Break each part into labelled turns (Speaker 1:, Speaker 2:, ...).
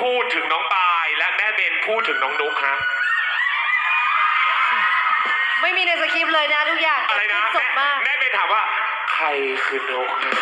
Speaker 1: พูดถึงน้องปายและแม่เบนพูดถึงน้องนุ๊กฮะ
Speaker 2: ไม่มีในสคริปต์เลยนะทุกอย่าง
Speaker 1: อะไรนะ
Speaker 2: สดมาก
Speaker 1: แม่เบนถามว่าใครคือนุ๊กฮะ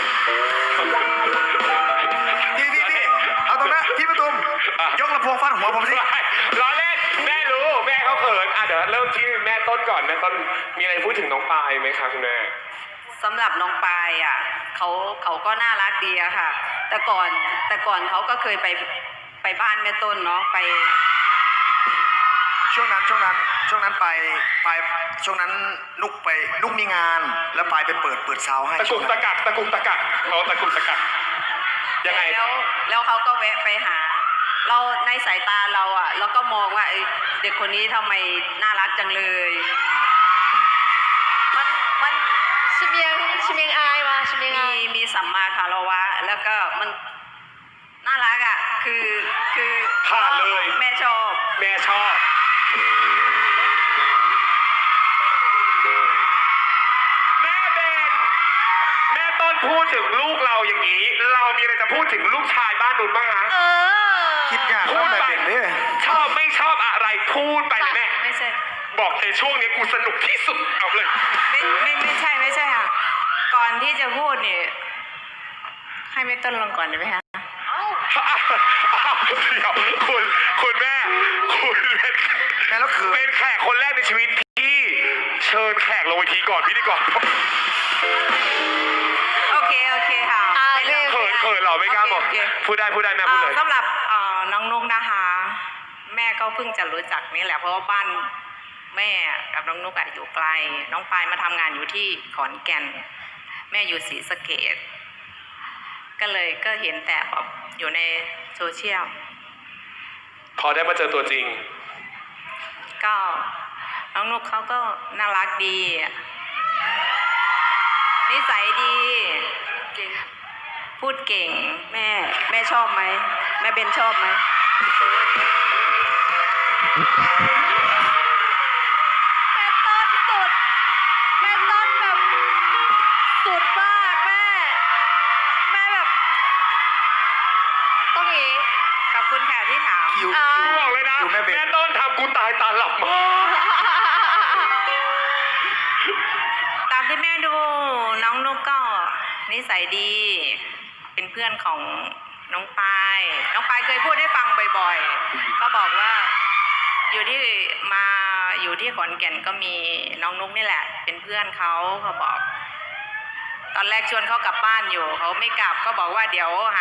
Speaker 3: พี่เอาตรงนั้นพี่ประตุมยกลำโพงฟาดหัวผมสิ
Speaker 1: ล้อเล่นแม่รู้แม่เขาเขินเดี๋ยวเริ่มที่แม่ต้นก่อนแม่ต้นมีอะไรพูดถึงน้องปายไหมคะคุณแม่
Speaker 4: สำหรับน้องปายเขาก็น่ารักดีอะค่ะแต่ก่อนเขาก็เคยไปบ้านแม่ต้นเนาะไป
Speaker 3: ช่วงนั้นไปช่วงนั้นนุกมีงานแล้วไปเปิดซาวให้
Speaker 1: ตะกุกตะกักเราตะกุกตะกักยังไง
Speaker 4: แล้วเขาก็แวะไปหาเราในสายตาเราอะเราก็มองว่าเด็กคนนี้ทำไมน่ารักจังเลยมัน
Speaker 2: ชิเมียงอายมาชิเมียงอาย
Speaker 4: มีสัมมาคารวะแล้วก็มันน่ารักอ่ะคือ
Speaker 1: ผ่านเลย
Speaker 4: แม่ชอบ
Speaker 1: แม่เบนแม่ต้นพูดถึงลูกเราอย่างนี้เรามีอะไรจะพูดถึงลูกชายบ้านนุ่นบ้างฮะ
Speaker 3: คิดยากพูดไป
Speaker 1: ชอบไม่ชอบอะไรพูดไปแม่
Speaker 4: ไม่ใช่
Speaker 1: บอกในช่วงนี้กูสนุกที่สุดเอาเลย
Speaker 4: ไม่ใช่ค่ะก่อนที่จะพูดเนี่ยให้แม่ต้นลงก่อนได้ไหมคะ
Speaker 1: เดี๋ยวคุณแม่
Speaker 3: แล้วคือ
Speaker 1: เป็นแขกคนแรกในชีวิตที่เชิญแขกลงเวทีก่อนพิธีกร
Speaker 4: โอเคค่ะ
Speaker 1: เขินเหรอไม่กล้าบอกพูดได้แม่พูดเลย
Speaker 4: สำหรับน้องนุ๊กนะคะแม่ก็เพิ่งจะรู้จักนี่แหละเพราะว่าบ้านแม่กับน้องนุ๊กอยู่ไกลน้องปายมาทำงานอยู่ที่ขอนแก่นแม่อยู่ศรีสะเกษก็เห็นแต่แบบอยู่ในโซเชียล
Speaker 1: พอได้มาเจอตัวจริง
Speaker 4: ก็น้องนุ๊กเขาก็น่ารักดีนิสัยดีพูดเก่งแม่ชอบไหมแม่เบนชอบไหม
Speaker 2: แม่ต้นแบบสุดมากแม่แบบต้องอย่างนี้
Speaker 4: ขอบคุณค่ะที่ถาม
Speaker 1: บอกเลยนะแม่ต้นทำกูตายตาหลับมา
Speaker 4: ตามที่แม่ดูน้องนุ๊กก็นิสัยดีเป็นเพื่อนของน้องปายเคยพูดให้ฟังบ่อยๆก็บอกว่าอยู่ที่ขอนแก่นก็มีน้องนุ๊กนี่แหละเป็นเพื่อนเขาบอกตอนแรกชวนเขากลับบ้านอยู่เขาไม่กลับก็บอกว่าเดี๋ยว